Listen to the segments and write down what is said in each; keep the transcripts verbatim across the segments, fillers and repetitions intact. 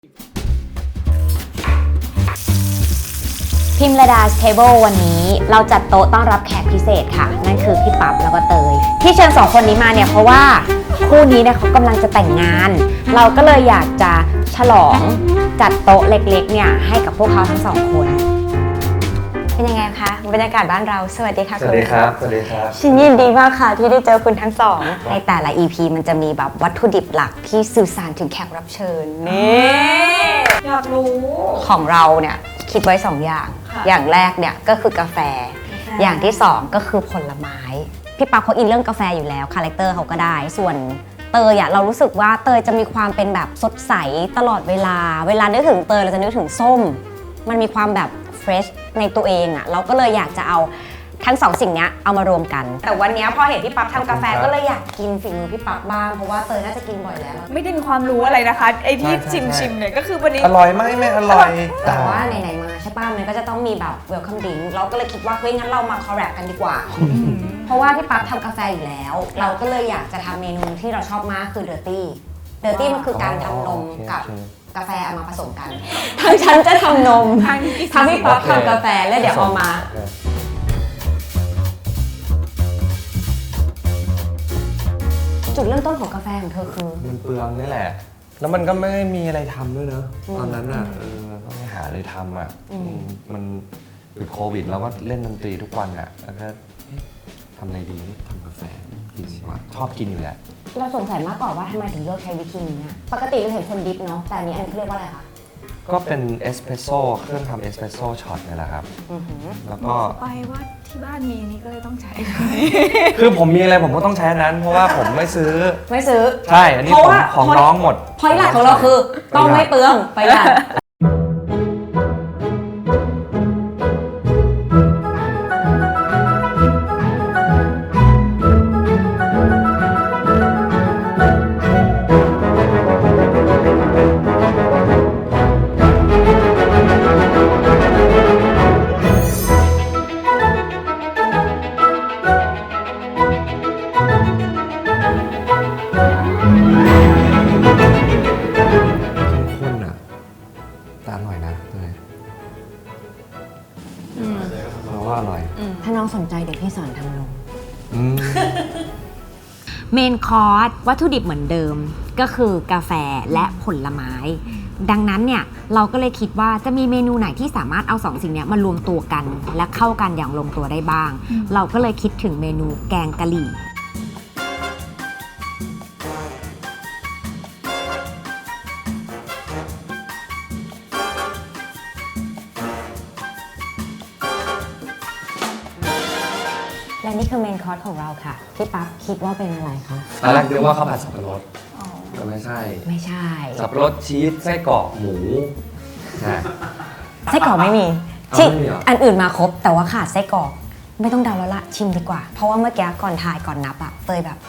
พิมระดาสเทเบิลวันนี้เราจัดโต๊ะต้อนรับแขกพิเศษค่ะนั่นคือพี่ปั๊บแล้วก็เตยที่เชิญสองคนนี้มาเนี่ยเพราะว่าคู่นี้เนี่ยเขากำลังจะแต่งงานเราก็เลยอยากจะฉลองจัดโต๊ะเล็กๆเนี่ยให้กับพวกเขาทั้งสองคนเป็นยังไงคะบรรยากาศบ้านเราสวัสดีค่ะสวัสดีครับสวัสดีครับฉันยินดีมากค่ะที่ได้เจอคุณทั้งสองในแต่ละ อี พี มันจะมีแบบวัตถุดิบหลักที่สื่อสารถึงแขกรับเชิญนี่อยากรู้ของเราเนี่ยคิดไว้สองอย่างอย่างแรกเนี่ยก็คือกาแฟอย่างที่สองก็คือผลไม้พี่ปั๊บเขาอินเรื่องกาแฟอยู่แล้วคาแรคเตอร์เขาก็ได้ส่วนเตยอะเรารู้สึกว่าเตยจะมีความเป็นแบบสดใสตลอดเวลาเวลานึกถึงเตยเราจะนึกถึงส้มมันมีความแบบเฟรชในตัวเองอะเราก็เลยอยากจะเอาทั้งสองสิ่งนี้เอามารวมกันแต่วันนี้พอเห็นพี่ปั๊บทำกาแฟก็เลยอยากกินฝีมือพี่ปั๊บบ้างเพราะว่าเตยน่าจะกินบ่อยแล้วไม่ได้มีความรู้อะไรนะคะไอ้ที่ชิมชิมเนี่ยก็คือวันนี้อร่อยไหมไม่อร่อยแต่ว่าไหนๆมาใช่ป่ะมันก็จะต้องมีแบบเวลคัมดิ้งเราก็เลยคิดว่าเฮ้ยงั้นเรามาคอลแลบกันดีกว่าเพราะว่าพี่ปั๊บทำกาแฟอยู่แล้วเราก็เลยอยากจะทำเมนูที่เราชอบมากคือเดอร์ตี้เดอร์ตี้มันคือการทำนมกับกาแฟเอามาผสมกันทางฉันจะทำนมทำพี่ปั๊บทำกาแฟแล้วเดี๋ยวเอามาจุดเริ่มต้นของกาแฟของเธอคือมันเปลืองนี่แหละแล้วมันก็ไม่ได้มีอะไรทำด้วยเนอะตอนนั้นอ่ะเออต้องไปหาอะไรทำอ่ะมันติดโควิดแล้วก็เล่นดนตรีทุกวันอ่ะแล้วก็ทำอะไรดีทำกาแฟกินดีกว่าชอบกินอยู่แล้วเราสงสัยมากกว่าว่าทำไมถึงเลือกใช้วิธีนี้ปกติเราเห็นคนดิฟเนาะแต่อันนี้อันนี้เรียกว่าอะไรคะก็เป็นเอสเปรสโซ่เครื่องทำเอสเปรสโซ่ช็อตนี่แหละครับแล้วก็ไปว่าที่บ้านมีนี่ก็เลยต้องใช้คือผมมีอะไรผมก็ต้องใช้นั้นเพราะว่าผมไม่ซื้อไม่ซื้อใช่อันนี้ของของน้องหมดพอยต์หลักของเราคือต้องไม่เปลืองประหยัดถ้าน้องสนใจเดี๋ยวพี่สอนทำนมเมนคอร์สวัตถุดิบเหมือนเดิมก็คือกาแฟและผลไม้ดังนั้นเนี่ยเราก็เลยคิดว่าจะมีเมนูไหนที่สามารถเอาสองสิ่งนี้มารวมตัวกันและเข้ากันอย่างลงตัวได้บ้างเราก็เลยคิดถึงเมนูแกงกะหรี่และนี่คือเมนคอร์สของเราค่ะพี่ปั๊บคิดว่าเป็นอะไรคะตอนแรกคิดว่าข้าวผัดสับปะรดแต่ไม่ใช่ไม่ใช่สับปะรดชีสไส้กรอกหมูไส้กรอกไม่มีชิอันอื่นมาครบแต่ว่าขาดไส้กรอกไม่ต้องเดาแล้วละชิมดีกว่าเพราะว่าเมื่อกี้ก่อนถ่ายก่อนนับอะเตยแบบ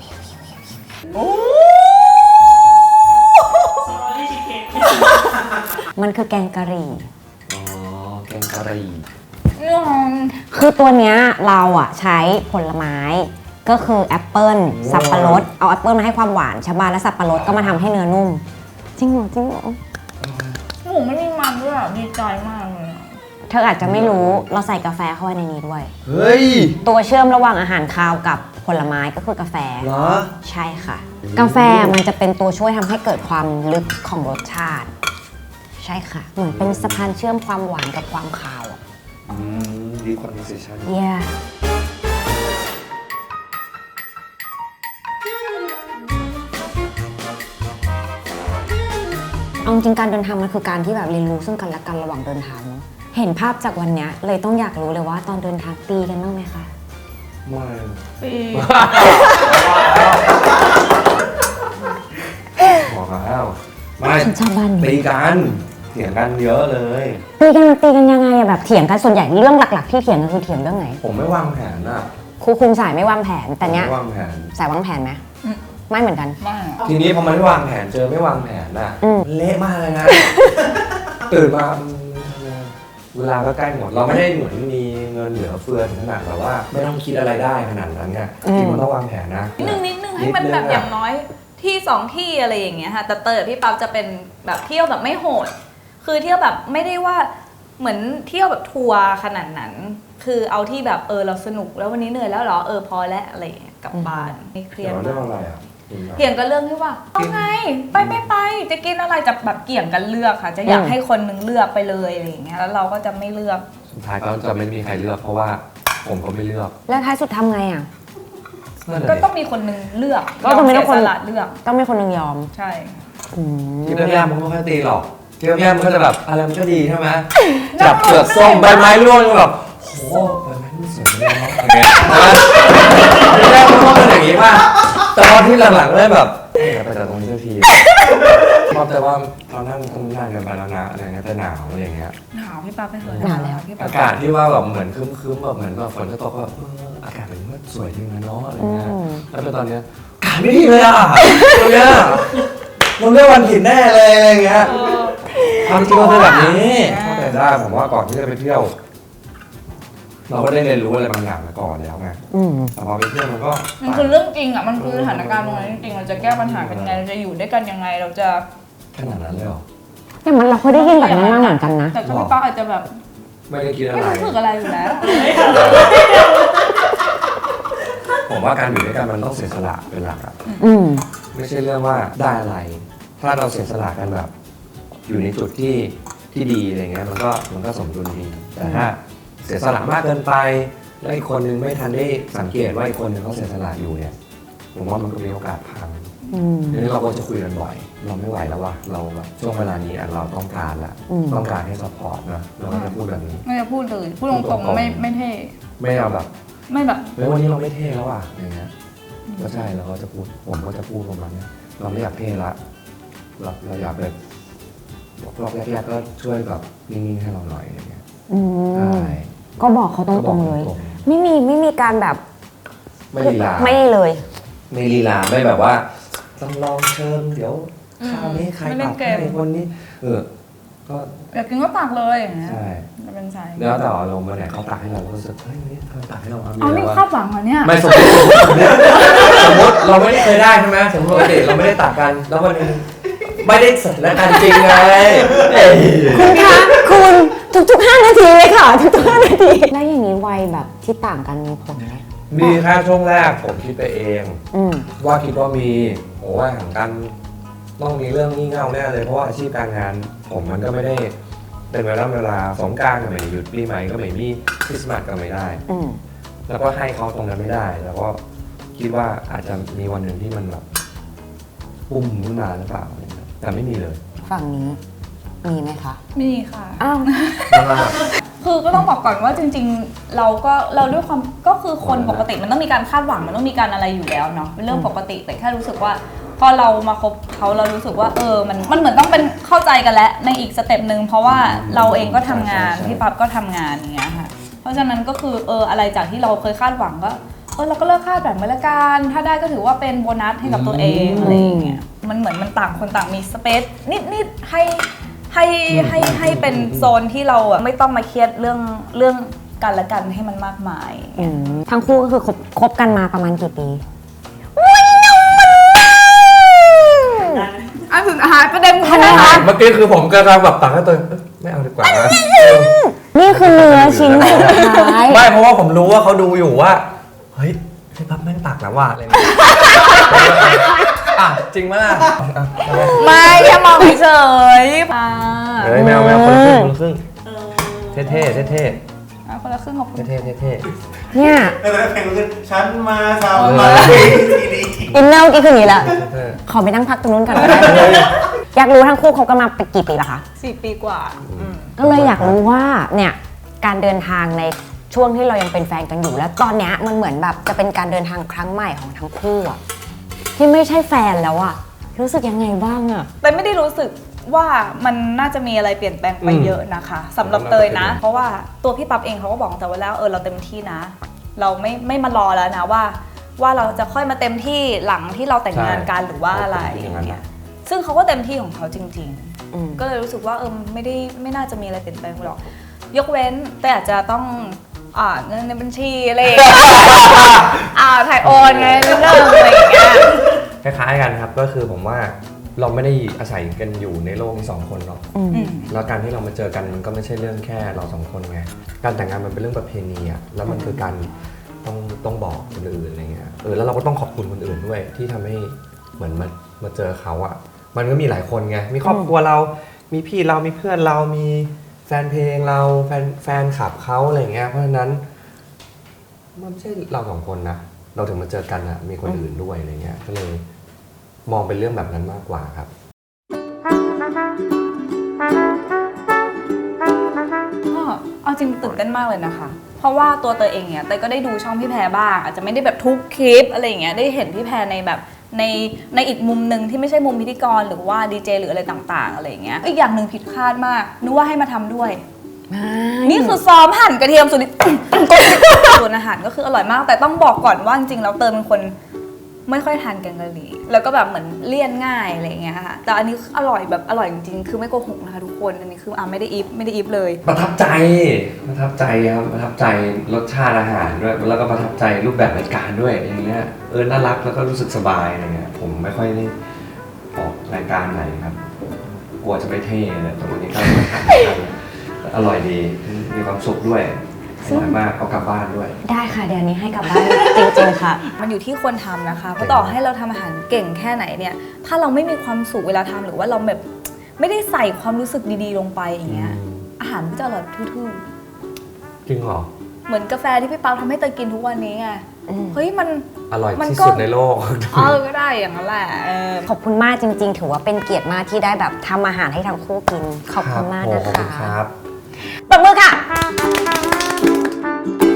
มันคือแกงกะหรี่อ๋อแกงกะหรี่คือตัวเนี้ยเราอะใช้ผลไม้ก็คือแอปเปิ้ลสับปะรดเอาแอปเปิ้ลมาให้ความหวานชะบาและสับปะรดก็มาทำให้เนื้อนุ่มจริงเหรอจริงเหรอหมูไม่มีมันด้วยอ่ะดีใจมากเลยเธออาจจะไม่รู้เราใส่กาแฟเข้าไปในนี้ด้วยเฮ้ยตัวเชื่อมระหว่างอาหารคาวกับผลไม้ก็คือกาแฟเหรอใช่ค่ะกาแฟมันจะเป็นตัวช่วยทำให้เกิดความลึกของรสชาติใช่ค่ะเหมือนเป็นสะพานเชื่อมความหวานกับความคาวดีคอนเวอร์เซชั่น yeah เอาจริงการเดินทางมันคือการที่แบบเรียนรู้ซึ่งกันและกันระหว่างเดินทางเนาะเห็นภาพจากวันนี้เลยต้องอยากรู้เลยว่าตอนเดินทางตีกันบ้างไหมคะไม่ตีบอกแล้วไม่ตีกันเถียงกันเยอะเลยตีกันตีกันยังไงอะแบบเถียงกันส่วนใหญ่เรื่องหลักๆที่เถียงกันคือเถียงเรื่องไหนผมไม่วางแผนอะครูคุมสายไม่วางแผนแต่เนี้ยวางแผนสายวางแผนไหมไม่เหมือนกันทีนี้พอมันไม่วางแผนเจอไม่วางแผนอะเละมากเลยนะตื่นมาเวลาก็ใกล้หมดเราไม่ได้เหมือนมีเงินเหลือเฟือถึงขนาดแบบว่าไม่ต้องคิดอะไรได้ขนาดนั้นไงที่มันต้องวางแผนนะนิดนึงนิดนึงให้มันแบบอย่างน้อยที่สองที่อะไรอย่างเงี้ยค่ะแต่เตยกับพี่ปั๊บจะเป็นแบบเที่ยวแบบไม่โหด คือเที่ยวแบบไม่ได้ว่าเหมือนเที่ยวแบบทัวร์ขนาดนั้น คือเอาที่แบบเออเราสนุกแล้ววันนี้เหนื่อยแล้วเหรอเออพอแล้วอะไรอย่างเงี้ยกลับบ้านไม่เครียดเรื่องอะไรอ่ะเถียงกันเรื่องที่ว่าเอาไงไปไม่ไปจะกินอะไรจะแบบเกี่ยงกันเลือกค่ะ จะอยากให้คนนึงเลือกไปเลยอะไรอย่างเงี้ยแล้วเราก็จะไม่เลือกสุดท้ายก็จะไม่มีใครเลือกเพราะว่าผมก็ไม่เลือกแล้วท้ายสุดทำไงอ่ะก็ต้องมีคนนึงเลือกก็ต้องมียอคนเสียสละเลือกต้องมีคนหนึงยอมใช่อืมที่แรกๆมันก็ไม่ค่อยตีหรอกที่แรกๆมันก็จะแบบอะไรมันก็ดีใช่ไหมจับเปลือกส้มใบไม้ร่วงแบบโอ้ใบไม้มันสวยเลยเนาะอย่างเงี้ยที่แรกมันก็เป็นอย่างงี้ป่ะแต่พอที่หลังๆเริ่มแบบเอ๊ะไปจากตรงนี้สักทีชอบแต่ว่าเรานั่งตรงนั้นกันไปแล้วนะอะไรเงี้ยแต่หนาวอะไรอย่างเงี้ยหนาวพี่ปั๊บไปเถอะหนาวแล้วพี่ปั๊อาบกาศที่ว่าแบบเหมือนครึ้มๆแบบเหมือนแบบฝนจะตกก็แบบเอออากาศมันก็สวยจริงนะเนาะอะไรเงี้ยแล้วเป็นตอนเนี้ยอากาศไม่ดีเลยอ่ะตรงเนี้ยเราเรียกวันผิดแน่เลยอะไรเงี้ยความจริงมันเป็นแบบนี้เข้าใจได้ผมว่าก่อนที่จะไปเที่ยว เราก็ได้เรียนรู้อะไรบางอย่างมาก่อนแล้วไงอืมแต่พอไปเที่ยวมันก็มันคือเรื่องจริงอ่ะมันคือสถานการณ์ตรงนั้นจริงๆเราจะแก้ปัญหากันยังไงเราจะอยู่ด้วยกันยังไงเราจะขนาดนั้นเลยเหรอแต่มันเราเคยได้ยินแบบนั้นมาเหมือนกันนะแต่ก็พี่ปั๊บอาจจะแบบไม่ได้คิดอะไรไม่รู้สึกอะไรอยู่แล้วผมว่าการอยู่ด้วยกันมันต้องเสียสละเป็นหลักอะอืมไม่ใช่เรื่องว่าได้อะไร ถ้าเราเสียสละกันแบบ อยู่ในจุดที่ที่ดีอะไรเงี้ยมันก็มันก็สมดุลดี แต่ถ้าเสียสละมากเกินไป แล้วอีกคนนึงไม่ทันได้สังเกตว่าอีกคนนึงเขาเสียสละอยู่เนี่ย ผมว่ามันก็มีโอกาสพังอืมทีนี้เราก็จะคุยกันบ่อย เราไม่ไหวแล้วว่ะเราแบบช่วงเวลานี้อ่ะเราต้องการละอืมต้องการให้ซัพพอร์ตนะเราก็จะพูดแบบนี้ไม่จะพูดเลยพูดตรงๆไม่ไม่เท่ไม่เอาแบบไม่แบบเฮ้ยวันนี้เราไม่เท่แล้วว่ะอย่างเงี้ยก็ใช่เราก็จะพูดผมก็จะพูดประมาณเนี้ยเราไม่อยากเท่ละเราเราอยากแบบรอบแรกๆก็ช่วยแบบนิ่งๆให้เราหน่อยอะไรเงี้ยอืใช่มก็บอกเขาตก็บรอกงๆเลยตรงไม่มีไม่มีการแบบๆไม่ลีลาไม่เลยไม่ลีลาไม่แบบว่าต้องลองเชิญเดี๋ยวคราวนี้ใครตัดให้คนนี้เออก็อยากกินก็ตักเลยอย่างเงี้ยใช่จะเป็นสายแล้วแต่อารมณ์วันไหนเขาตักให้เราก็รู้สึกเฮ้ยวันนี้เธอตักให้เราเอาเอานี่มีะไรวะคาดหวังเหรอเนี่ยไม่สมมติสมมติเราไม่ได้เคยได้ใช่ไหมสมมติปกติเราไม่ได้ตักกันแล้ววันหนึงไม่ได้สถานการณ์จริงไงเอ้ยคุณคะคุณทุกๆห้านาทีเลยค่ะ ทุกๆห้านาทีแล้วอย่างนี้วัยแบบที่ต่างกันมีผลไหมมีแค่ช่วงแรกผมคิดไปเองอืมว่าคิดว่ามีโอ้ว่าห่างกันต้องมีเรื่องงี่เง่าแน่เลยเพราะว่าอาชีพการงาน ผมมันก็ไม่ได้เป็นเวลาเวลาสงกรานต์ก็ไม่ได้หยุดปีใหม่ก็ไม่มีคริสต์มาสก็ไม่ได้อืมแล้วก็ให้เขาตรงนั้นไม่ได้ แล้วก็คิดว่าอาจจะมีวันหนึ่งที่มันแบบปุ่มขึ้นมาหรือเปล่าอะไรเงี้ยแต่ไม่มีเลยฝั่งนี้มีไหมคะมีค่ะอ้าวมากคือก็ต้องบอกก่อนว่าจริงๆ เราก็เราด้วยความก็คือคนปกติมันต้องมีการคาดหวังมันต้องมีการอะไรอยู่แล้วเนาะเป็นเรื่องปกติแต่แค่รู้สึกว่า พอเรามาคบเขาเรารู้สึกว่าเออมันมันเหมือนต้องเป็นเข้าใจกันแล้วในอีกสเต็ปหนึ่งเพราะว่าเราเองก็ทำงานพี่ปั๊บก็ทำงานอย่างเงี้ยค่ะเพราะฉะนั้นก็คือเอออะไรจากที่เราเคยคาดหวังก็เออเราก็เลิกคาดหวังไปละกันถ้าได้ก็ถือว่าเป็นโบนัสให้กับตัวเองอะไรอย่างเงี้ยมันเหมือนมันต่างคนต่างมีสเปซนิดๆให้ให้ให้ให้เป็นโซนที่เราอะไม่ต้องมาเครียดเรื่องเรื่องกันและกันให้มันมากมายอืมทั้งคู่ก็คือคบคบกันมาประมาณกี่ปีอันสุดท้ายประเด็นทำไมคะๆเมื่อกี้คือผมกำลังแบบตักให้ตัวเองเอ้ยไม่เอาดีกว่านะนี่คือเนื้อชิ้นสุดท้ายไม่เพราะว่าผมรู้ว่าเขาดูอยู่ว่าเฮ้ยพี่ปั๊บแม่งตักแล้วว่ะอะไรอย่างเงี้ยอ่ะจริงไหมล่ะอ่ะไม่แค่มองเฉยๆอ่าเฮ้ยแมวแมวคนละครึ่งคนละครึ่งเท่เท่เท่เท่อ่ะคนละครึ่งขอบคุณเท่เท่เท่เนี่ยแล้วเพลงขึ้นฉันมาทำมาทีนี้อินเนอร์เมื่อกี้คืออย่างนี้แหละเท่ขอไปนั่งพักตรงนู้นก่อนก็ได้อยากรู้ทั้งคู่คบกันมาเป็นกี่ปีละคะสี่ปีกว่าอืมก็เลยอยากรู้ว่าเนี่ยการเดินทางในช่วงที่เรายังเป็นแฟนกันอยู่แล้วตอนเนี้ยมันเหมือนแบบจะเป็นการเดินทางครั้งใหม่ของทั้งคู่อะที่ไม่ใช่แฟนแล้วอะรู้สึกยังไงบ้างอะแต่ไม่ได้รู้สึกว่ามันน่าจะมีอะไรเปลี่ยนแปลงไปเยอะนะคะสำหรับเตยนะ เพราะว่าตัวพี่ปั๊บเองเขาก็บอกแต่ว่าแล้วเออเราเต็มที่นะ เราไม่ไม่มารอแล้วนะว่า ว่าเราจะค่อยมาเต็มที่หลังที่เราแต่งงานกันหรือว่าอะไรอย่างเงี้ยซึ่งเขาก็เต็มที่ของเขาจริง ๆอืมก็เลยรู้สึกว่าเออไม่ได้ไม่น่าจะมีอะไรเปลี่ยนแปลงหรอก ยกเว้นแต่อาจจะต้องอ่าเงินในบัญชีอะไรอย่างเงี้ย อ่าถ่ายโอนไงเรื่องอะไรอย่างเงี้ยคล้ายๆกันครับก็คือผมว่าเราไม่ได้อาศัยกันอยู่ในโลกนี้สองคนหรอกอืมอืมแล้วการที่เรามาเจอกันมันก็ไม่ใช่เรื่องแค่เราสองคนไงการแต่งงานมันเป็นเรื่องประเพณีอะแล้วมันคือการต้องต้องบอกคนอื่นอะไรเงี้ยเออแล้วเราก็ต้องขอบคุณคนอื่นด้วยที่ทำให้เหมือนมามาเจอเขาอะมันก็มีหลายคนไงมีครอบครัวเรามีพี่เรามีเพื่อนเรามีแฟนเพลงเราแฟนแฟนคลับเขาอะไรเงี้ยเพราะฉะนั้นมันไม่ใช่เราสองคนนะเราถึงมาเจอกันอะมีคนอื่นด้วยอะไรเงี้ยก็เลยมองเป็นเรื่องแบบนั้นมากกว่าครับก็เอาจริงตื่นเต้นมากเลยนะคะ เพราะว่าตัวเตยเองเนี่ยเตยก็ได้ดูช่องพี่แพรบ้างอาจจะไม่ได้แบบทุกคลิปอะไรอย่างเงี้ยได้เห็นพี่แพรในแบบในในอีกมุมหนึ่งที่ไม่ใช่มุมพิธีกรหรือว่าดีเจหรืออะไรต่างๆอะไรอย่างเงี้ยอีกอย่างหนึ่งผิดคาดมากนึกว่าให้มาทำด้วย นี่คือซ้อมหั่นกระเทียมสุด ส่วนอาหารก็คืออร่อยมาก แต่ต้องบอกก่อนว่าจริงๆแล้วเตยเป็นคนไม่ค่อยทานแกงกะหรี่แล้วก็แบบเหมือนเลี่ยนง่ายอะไรอย่างเงี้ยค่ะแต่อันนี้อร่อยแบบอร่อยจริงๆคือไม่โกหกนะคะทุกคนอันนี้คืออ่ะไม่ได้อิฟไม่ได้อิฟเลยประทับใจประทับใจครับประทับใจรสชาติอาหารด้วยแล้วก็ประทับใจรูปแบบรายการด้วยอย่างเงี้ยเออน่ารักแล้วก็รู้สึกสบายอะไรเงี้ยผมไม่ค่อยได้ออกรายการไหนครับกลัวจะไม่เท่เลยแต่วันนี้ก็มาทำกันอร่อยดีมีความสุขด้วยอร่อยมากเอากลับบ้านด้วยได้ค่ะเดี๋ยวนี้ให้กลับบ้าน จริงๆค่ะมันอยู่ที่คนทำนะคะ เพราะต่อให้เราทำอาหารเก่งแค่ไหนเนี่ย ถ้าเราไม่มีความสุขเวลาทำหรือว่าเราแบบไม่ได้ใส่ความรู้สึกดีๆลงไปอย่างเงี้ยอืมอาหารมันก็จะอร่อยทื่อจริงเหรอๆ เหมือนกาแฟที่พี่เปาทำให้เตยกินทุกวันนี้ไงอืมเฮ้ยมันอร่อยมันที่ก็สุดในโลกเออก็ได้อย่างนั้นแหละเออขอบคุณมากจริง ๆ ถือว่าเป็นเกียรติมากที่ได้แบบทำอาหารให้ทั้งคู่กิน ขอบคุณมากโอ้นะขอบคะคุณครับปรบมือค่ะ